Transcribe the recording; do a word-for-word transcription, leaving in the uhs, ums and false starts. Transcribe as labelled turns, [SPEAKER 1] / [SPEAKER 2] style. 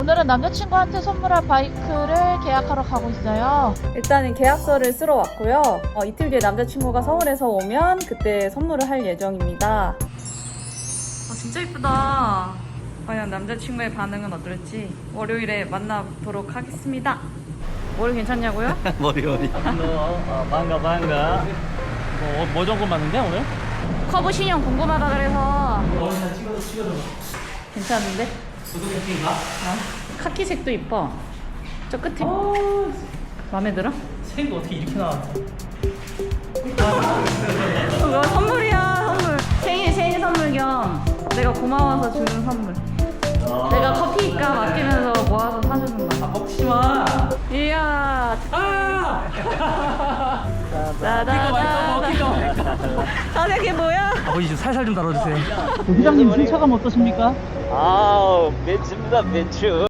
[SPEAKER 1] 오늘은 남자친구한테 선물할 바이크를 계약하러 가고 있어요.
[SPEAKER 2] 일단은 계약서를 쓰러 왔고요. 어, 이틀 뒤에 남자친구가 서울에서 오면 그때 선물을 할 예정입니다. 어, 진짜 이쁘다. 과연 남자친구의 반응은 어떨지 월요일에 만나보도록 하겠습니다. 머리 괜찮냐고요?
[SPEAKER 3] 머리 머리. 어, 반가 반가. 뭐, 뭐 정도 맞는데 오늘?
[SPEAKER 2] 커브 신형 궁금하다 그래서.
[SPEAKER 3] 머리 한 찍어줘 찍어줘.
[SPEAKER 2] 괜찮은데?
[SPEAKER 3] 수도꼭지인가?
[SPEAKER 2] 어? 카키색도 이뻐. 저 끝에.
[SPEAKER 3] 어,
[SPEAKER 2] 마음에 들어?
[SPEAKER 3] 색이 어떻게 이렇게 나왔어?
[SPEAKER 2] 이거 선물이야, 선물. 생일 생일 선물 겸 내가 고마워서 주는 선물.
[SPEAKER 3] 아.
[SPEAKER 2] 내가 커피값 아끼면서 모아서 사주는 거야.
[SPEAKER 3] 아, 먹지 마.
[SPEAKER 2] 이야.
[SPEAKER 3] 아!
[SPEAKER 2] 따다다다. 아, 이게 뭐야?
[SPEAKER 3] 아버지 좀 살살 좀 다뤄주세요. 부장님 승차감 어떠십니까?
[SPEAKER 4] 아우, 멘츠입니다, 멘츠.